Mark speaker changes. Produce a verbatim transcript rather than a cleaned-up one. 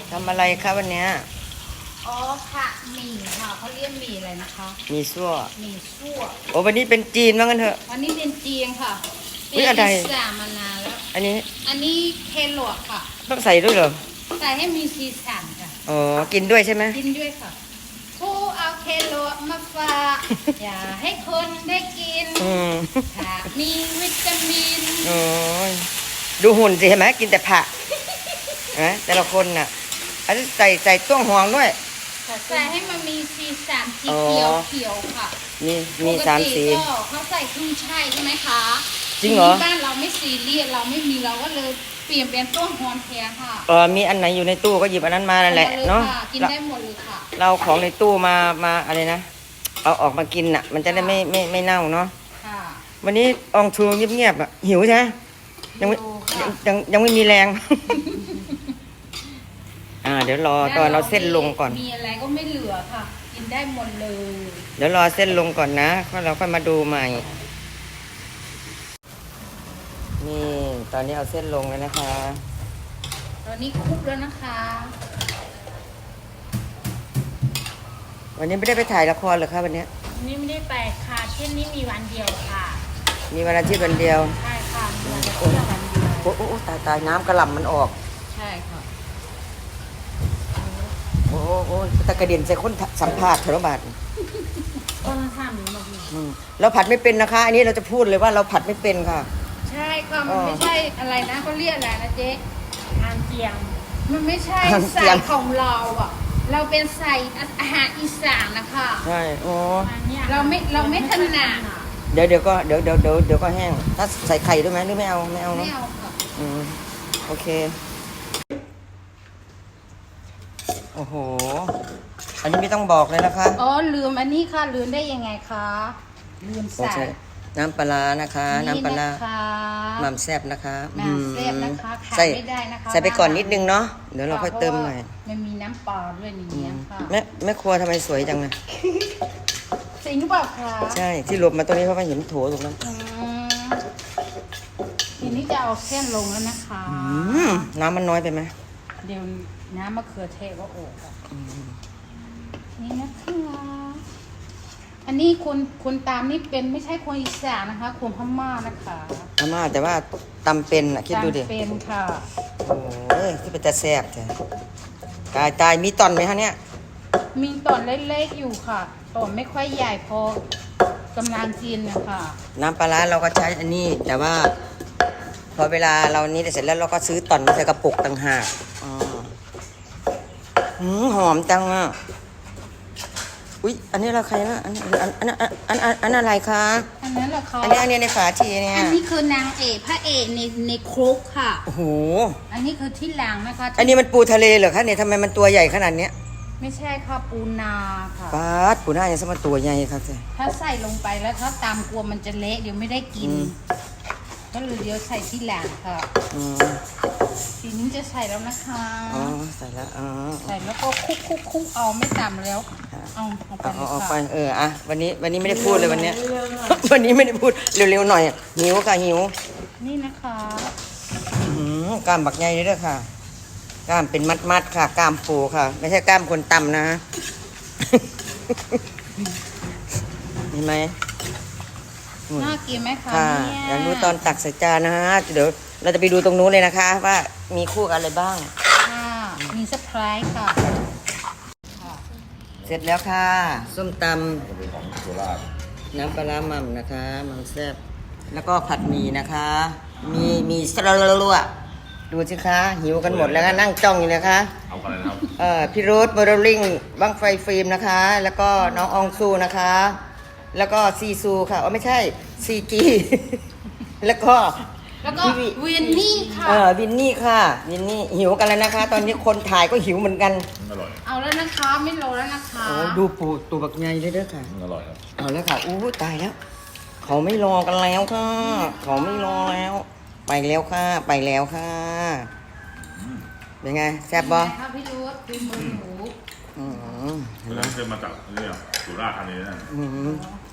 Speaker 1: ทำอะไรคะวันเนี้ย
Speaker 2: อ๋อค่ะหมี่ค่ะเขาเรียกหมี่อะไรนะคะ
Speaker 1: มีซั่ว
Speaker 2: หมี่ซั่ว
Speaker 1: โอ้วันนี้เป็นจีนว่างั้นเถอะ
Speaker 2: วันนี้เป็นจีนค่ะ
Speaker 1: อุ๊ยอะไร
Speaker 2: เป็นอิสลามมานานแล้ว
Speaker 1: อันนี้
Speaker 2: อันนี้เคโลค่ะ
Speaker 1: ต้องใส่ด้วยเหรอ
Speaker 2: ใส่ให้มีสีสันค่ะ
Speaker 1: อ๋อกินด้วยใช่ไหม
Speaker 2: กินด้วยค่ะผู้เอาเคโลมาฝากอย่าให้คนได้กิน
Speaker 1: อืม
Speaker 2: ค่ะมีวิตามิน
Speaker 1: โอ้ยดูหุ่นสิเห็นไหมกินแต่ผักนะแต่ละคนน่ะอันนี้ใส่ใส่ต้วงหวงด้วย
Speaker 2: ใส่ให้มันมีสีสันสีเขียวเขียวค่ะ
Speaker 1: มีมีสามสี
Speaker 2: ก็เขาใส่ขึ้นช่ายใช่ไหมคะ
Speaker 1: จริงเหรอ
Speaker 2: บ้านเราไม่ซีเรียสเราไม่มีเราก็เลยเปลี่ยนเป็นต้นหอมแทนค่ะ
Speaker 1: เออมีอันไหนอยู่ในตู้ก็หยิบอันนั้นมานั่นแหละเนาะ
Speaker 2: กินได้หมดเลยค่ะ
Speaker 1: เราของในตู้มามาอะไรนะเอาออกมากินน่ะมันจะได้ไม่ไม่ไม่เน่าเนาะวันนี้อองทูเงียบๆอ่ะหิวใช่ไหมยังไม่ยังยังไม่มีแรง อ่าเดี๋ยวรอตอนเราเส้นลงก่อน
Speaker 2: มีอะไรก็ไม่เหลือค่ะกินได้หมดเลย
Speaker 1: เดี๋ยวรอเส้นลงก่อนนะก็เราค่อยมาดูใหม่นี่ตอนนี้เอาเส้นลงแล้วนะคะ
Speaker 2: ตอนนี้คลุกแล้วนะคะ
Speaker 1: วันนี้ไม่ได้ไปถ่ายละครเหรอคะวันนี้
Speaker 2: วันนี้ไม่ได้ไปค่ะเช่นนี้มีวันเดียวค่ะ
Speaker 1: มีวันอาทิตย์วันเดียว
Speaker 2: ใช่ค่ะมีวันอาทิตย์วันเดียว
Speaker 1: โอ้โอ้ตายตายน้ำกระหล่ำมันออก
Speaker 2: ใช่ค่ะ
Speaker 1: โอ้โอ้ตะกระเด็นใส่คนสัมภาษณ์เถอะบาท
Speaker 2: ก็ทำหนูมาดี
Speaker 1: เราผัดไม่เป็นนะคะอันนี้เราจะพูดเลยว่าเราผัดไม่เป็นค่ะ
Speaker 2: ใช่ค่ะมันไม่ใช่อะไรนะเขาเรียกอะไรนะเจ๊ทานเจียงมันไม่ใช่ใส่ของเราอ่ะเราเป็นใส่อาหารอีสานนะคะ
Speaker 1: ใช่โอ้
Speaker 2: เราไม่เราไม่ถนัด
Speaker 1: เดี๋ยวเดี๋ยวก็เดี๋ยวเดี๋ยวเดี๋ยวเดี๋ยวก็แห้งถ้าใส่ไข่ด้วยไหมหรือไม่เอาไม่เอาเนาะ
Speaker 2: ไม่เอาค่ะ
Speaker 1: อืมโอเคโอ้โหอันนี้ไม่ต้องบอกเลยนะคะ
Speaker 2: อ๋อลืมอันนี้ค่ะลืมได้ยังไงคะลืมใส่
Speaker 1: น้ำปลานะคะน้ำปลาหม่ำแซ่บนะคะ
Speaker 2: หม่ำแซ่บนะคะขาดไม่ได้นะคะ
Speaker 1: ใส่ไปก่อนนิดนึงเนาะเดี๋ยวเราค่อยเติมหน่อย
Speaker 2: มันมีน้ำปลาด้วยนี่ค่ะ
Speaker 1: แม่แม่ครัวทำไมสวยจังนะ
Speaker 2: จริงหรือเปล่าคะ
Speaker 1: ใช่ที่หลบมาตรงนี้เพราะว่าเห็นโถตรงนั้น
Speaker 2: ทีนี้จะเอาเส้นลงแล้วนะคะ
Speaker 1: น้ำมันน้อยไปไหม
Speaker 2: เดี๋ยวน้ำมะเขือเทศก็โอบนี่นะคะอันนี้คนคนตามนี่เป็นไม่ใช่คนอีสานนะคะคนพม่านะคะ
Speaker 1: พม่าแต่ว่าตำเป็นอ่ะคิดดูดิ
Speaker 2: ตำเป็นค่ะ
Speaker 1: โอ้ยที่เป็นตะแซ่บจ้ะตายตายมีตอนไหมคะเนี่ย
Speaker 2: มีตอนเล็กๆอยู่ค่ะตอนไม่ค่อยใหญ่พอกำลังกินนะคะ
Speaker 1: น้ำปลาเราก็ใช้อันนี้แต่ว่าพอเวลาเรานี้เสร็จแล้วเราก็ซื้อตอนมาใส่กระปุกต่างหากอ๋อหืมหอมจังอ่ะอุ๊ยอันนี้เราใครนะอันอันอันอันอันอันอะไรคะ
Speaker 2: อันนั้นเหรอคะ
Speaker 1: อันนี้อันนี้ในฝาทีเนี่ย
Speaker 2: อันนี้คือนางเอกพระเอกในในครกค่ะ
Speaker 1: โอ้โห
Speaker 2: อันนี้คือที่หลังนะคะ
Speaker 1: อันนี้มันปูทะเลเหรอคะเนี่ยทำไมมันตัวใหญ่ขนาดเนี้ย
Speaker 2: ไม่ใช่ค่ะปูนาค่ะ
Speaker 1: ปาดปูนาอย่างสมตัวใหญ่ครับเจ้
Speaker 2: ถ้าใส่ลงไปแล้วถ้าตามกลัวมันจะเละเดี๋ยวไม่ได้กินก็เลยเดี๋ยวใส่ที่หลังค่ะทีนี้จะใส่แล้วนะคะ
Speaker 1: อ๋อใส่แล้วอ๋อ
Speaker 2: ใส่แล้วก็คุกคุกคุกเอาไม่ต่ำแล้วเอาเอาไปเลยค่ะ
Speaker 1: เอาไปเอออ่ะวันนี้วันนี้ไม่ได้พูดเลยวันนี้วันนี้ไม่ได้พูดเร็วๆหน่อยหิวค่ะหิว
Speaker 2: นี่นะคะ
Speaker 1: กล้ามบักใหญ่เลยด้วยค่ะกล้ามเป็นมัดๆค่ะกล้ามปูค่ะไม่ใช่กล้ามคนต่ำนะเห็นไหม
Speaker 2: น่ากินไหมคะ
Speaker 1: เนี่ยอยากดูตอนตักใส่จานนะฮะเดี๋ยวเราจะไปดูตรงนู้นเลยนะคะว่ามีคู่อะไรบ้าง
Speaker 2: ค่ะมีเซอร์ไพรส์ค่ะ
Speaker 1: เสร็จแล้วค่ะส้มตำน้ำปลาหม่ำนะคะหม่ำแซ่บแล้วก็ผัดหมี่นะคะมีมีสลัดลัวดูสิคะหิวกันหมดแล้วก็นั่งจ้องอยู่นะคะ
Speaker 3: เอาอะไรนะครับ
Speaker 1: เอ่อพี่โรสโมเดลลิ่งบังไฟฟิล์มนะคะแล้วก็น้องอองซูนะคะแล้วก็ซีซูค่ะอ๋อไม่ใช่ซีจีแล้วก็
Speaker 2: แล้วก็วินนี่ค่ะ
Speaker 1: เออวินนี่ค่ะวินนี่หิวกันแล้วนะคะ ตอนนี้คนถ่ายก็หิวเหมือนกัน
Speaker 3: อร่อย
Speaker 2: เอาแล้วนะคะไม่รอแล้วนะคะ
Speaker 1: โอ้ดูปูตัวบักใหญ่เลยเด้อค่ะ
Speaker 3: อร่อยครับ
Speaker 1: เอาแล้วค่ะอู้ตายแล้วเขาไม่รอกันแล้วค่ะเขาไม่รอแล้วไปแล้วค่ะไปแล้วค่ะเป็นไงแซ่บบ่
Speaker 2: ครับพี่รู้เป็นมือหมู
Speaker 3: อืมเคยมาจากนี่สุราษฎร์ธานีนะ